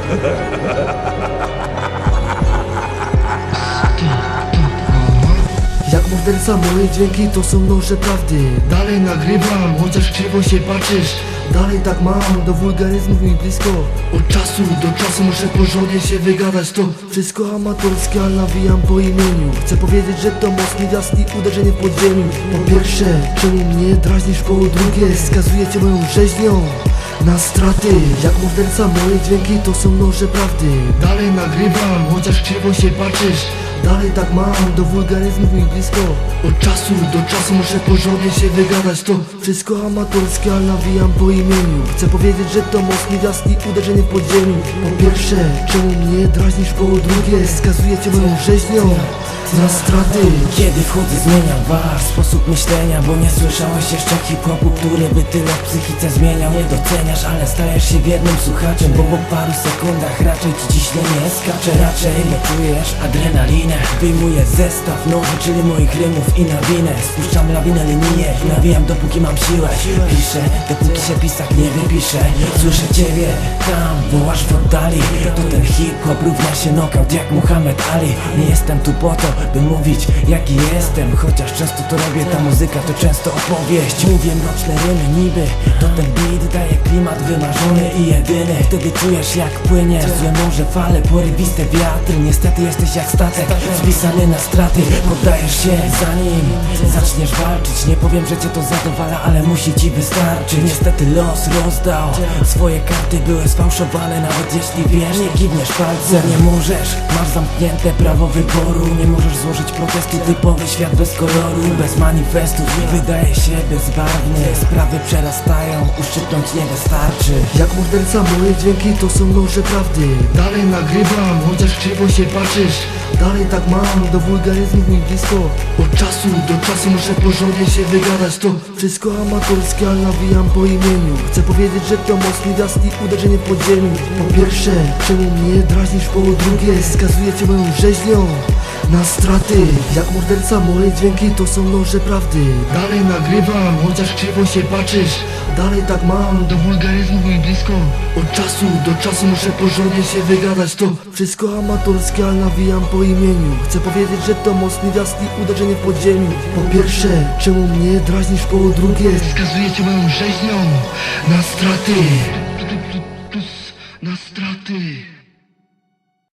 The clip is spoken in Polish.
Jak morderca moje dźwięki to są noże prawdy. Dalej nagrywam, chociaż krzywo się patrzysz. Dalej tak mam, do wulgaryzmów mi blisko. Od czasu do czasu muszę porządnie się wygadać. To wszystko amatorskie, ale nawijam po imieniu. Chcę powiedzieć, że to mocny gwiazd i uderzenie w podziemiu. Po pierwsze, czemu mnie drażnisz? Po drugie, skazujecie moją rzeźnią na straty. Jak morderca moje dźwięki to są noże prawdy. Dalej nagrywam, chociaż krzywo się patrzysz. Dalej tak mam, do wulgaryzmów mi blisko. Od czasu do czasu muszę porządnie się wygadać. To wszystko amatorskie, ale nawijam po imieniu. Chcę powiedzieć, że to mocny gwiazd i uderzenie w podziemiu. Po pierwsze, czemu mnie drażnisz? Po drugie, skazujecie moją rzeźnią na straty. Kiedy wchodzę zmieniam wasz sposób myślenia, bo nie słyszałeś jeszcze hip-hopu, który by tyle w psychice zmieniał. Nie doceniasz, ale stajesz się wiernym słuchaczem, bo po paru sekundach raczej ci ciśnienie skacze. Raczej nie czujesz adrenalinę. Wyjmuję zestaw nowy, czyli moich rymów i nawinę. Spuszczam lawinę linijek, nawijam dopóki mam siłę. Piszę, dopóki się pisak nie wypisze. Słyszę ciebie tam, wołasz w oddali. To ten hip-hop równa się knockout jak Muhammad Ali. Nie jestem tu po to, by mówić jaki jestem, chociaż często to robię, ta muzyka to często opowieść. Mówię mroczne rymy niby, to ten beat daje klimat wymarzony i jedyny. Wtedy czujesz jak płynie złe morze, fale, porywiste wiatry. Niestety jesteś jak statek, spisany na straty. Poddajesz się zanim zaczniesz walczyć. Nie powiem, że cię to zadowala, ale musi ci wystarczyć. Niestety los rozdał swoje karty, były sfałszowane. Nawet jeśli wiesz, nie kiwniesz palcem. Nie możesz, masz zamknięte prawo wyboru. Nie możesz złożyć protestu, typowy świat bez koloru, bez manifestów. Wydaje się bezbarwny, sprawy przerastają, uszczypnąć nie wystarczy. Jak morderca moje dźwięki to są noże prawdy. Dalej nagrywam, chociaż krzywo się patrzysz. Dalej tak mam, do wulgaryzmów mi blisko. Od czasu do czasu muszę porządnie się wygadać. To wszystko amatorskie, ale nawijam po imieniu. Chcę powiedzieć, że to mocny gwiazd i uderzenie w podziemiu. Po pierwsze, czemu mnie drażnisz? Po drugie, skazujecie moją rzeźnią na straty. Jak morderca moje dźwięki to są noże prawdy. Dalej nagrywam, chociaż krzywo się patrzysz. Dalej tak mam, do wulgaryzmów mi blisko. Od czasu do czasu muszę porządnie się wygadać. To wszystko amatorskie, ale nawijam po imieniu. Chcę powiedzieć, że to mocny gwiazd i uderzenie w podziemiu. Po pierwsze, czemu mnie drażnisz? Po drugie, skazujecie moją rzeźnią na straty.